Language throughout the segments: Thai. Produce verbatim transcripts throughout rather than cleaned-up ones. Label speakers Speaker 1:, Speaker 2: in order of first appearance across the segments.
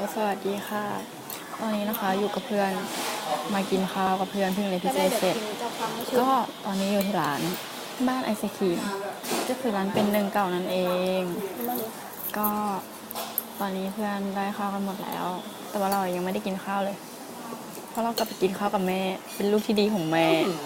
Speaker 1: สวัสดีค่ะตอนนี้นะคะอยู่กับเพื่อนมากินข้าวกับเพื่อนเพิ่งเรียนพิเศษเสร็จก็ตอนนี้อยู่ที่ร้านบ้านไอศครีมก็คือร้านเป็นหนึ่งเก่านั่นเองก็ตอนนี้เพื่อนได้ข้าวกันหมดแล้วแต่ว่าเรายังไม่ได้กินข้าวเลยเพราะเรากลับไปกินข้าวกับแม่เป็นลูกที่ดีของแม่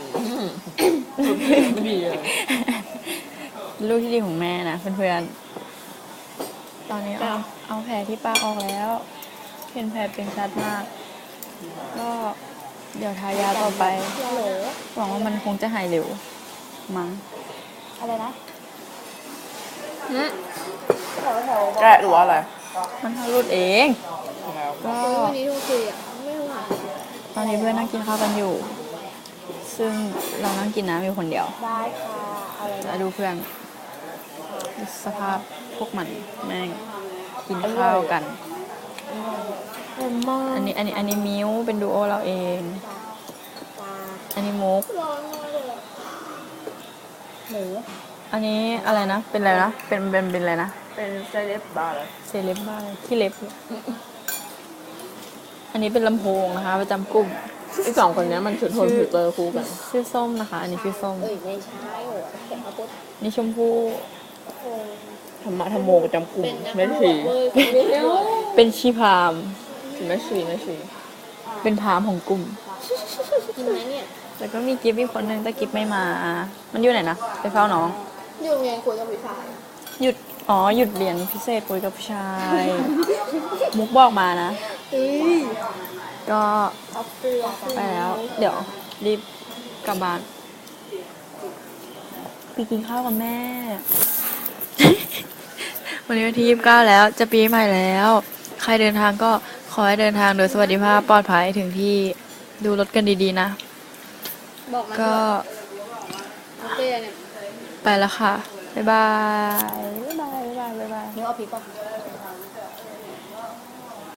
Speaker 2: ไม่ดีเลย
Speaker 1: ลูกที่ดีของแม่นะเพื่อนๆตอนนี้เอาเอาแผลที่ปากออกแล้วเห็นแผลเป็นชัดมากก็เดี๋ยวทายาต่อไปหวังว่ามันคงจะหายเร็วมั้ง
Speaker 3: อะไรนะ
Speaker 2: แกะหรือว่าอะไร
Speaker 1: มันทะลุดเอง
Speaker 2: แล้ว
Speaker 1: ก็
Speaker 3: วันนี้โทรคุยอ่ะไม่รู้อ่ะ
Speaker 1: ตอนนี้เพื่อนนั่งกินข้าวกันอยู่ ซึ่งเรานั่งกินน้ำอยู่คนเดียว
Speaker 3: ได้ค่ะอะไร
Speaker 1: แล้วดูเพื่อนสภาพพวกมันแม่งกินข้าวกัน
Speaker 3: เอ็มมาก
Speaker 1: อันนี้อันนี้อันนี้มิ้วเป็นดูโอเราเอง อันนี้มุก
Speaker 3: ร้อนมากเลยอะหมู
Speaker 1: อันนี้อะไรนะ เป็นอะไรนะ เป็นเป็นเป็นอะไรนะ
Speaker 2: เป็นเซเลบบาร์เลย
Speaker 1: เซเลบบ้าเลยขี้เล็บ อันนี้เป็นลำโพงนะคะ ประจำกลุ่ม
Speaker 2: อีกสองคนนี้มันคือโทนฟิลเตอร์คู่กัน
Speaker 1: ชื่อส้มนะคะ อันนี้ชื่อส้ม
Speaker 3: เอ้ยไม่ใช่โหเข็มมาปุ๊บ
Speaker 1: นี่ชมพู่
Speaker 3: โอ้
Speaker 2: ธรรมะธรรมโมประจำกลุ่ม
Speaker 3: เป็นนัก
Speaker 2: แม่ชี
Speaker 3: เว้ยคุณไม่รู้
Speaker 1: เป็นชีพราหมณ์
Speaker 2: แม่ชีแม่ชี
Speaker 1: เป็นพราหมณ์ของกลุ่ม
Speaker 3: กินไหมเนี่ย
Speaker 1: แล้วก็มีกิฟต์อีกคนนึงแต่กิฟต์ไม่มา มันอยู่ไหนนะ ไปเฝ้าน้อง
Speaker 3: อยู่ไงคุยกับผู้ชาย
Speaker 1: หยุด อ๋อ หยุดเรียนพิเศษคุยกับผู้ชาย มุกบอกมานะ
Speaker 3: เฮ้ย
Speaker 1: ก็
Speaker 3: เอาเปลือก
Speaker 1: ไปแล้ว เดี๋ยว รีบกลับบ้านไปกินข้าวกับแม่ วันนี้วันที่ยี่สิบเก้าแล้ว จะปีใหม่แล้ว ใครเดินทางก็ขอให้เดินทางโดยสวัสดิภาพปลอดภัยถึงที่ดูรถกันดีๆนะ
Speaker 3: บอกมัน
Speaker 1: ก็
Speaker 3: เอาเปลือกเนี่ย
Speaker 1: ไปแล้วค่ะ บ๊ายบาย บ๊ายบาย บ๊ายบาย บ๊ายบาย
Speaker 3: เนื้อเอาพริกป่ะ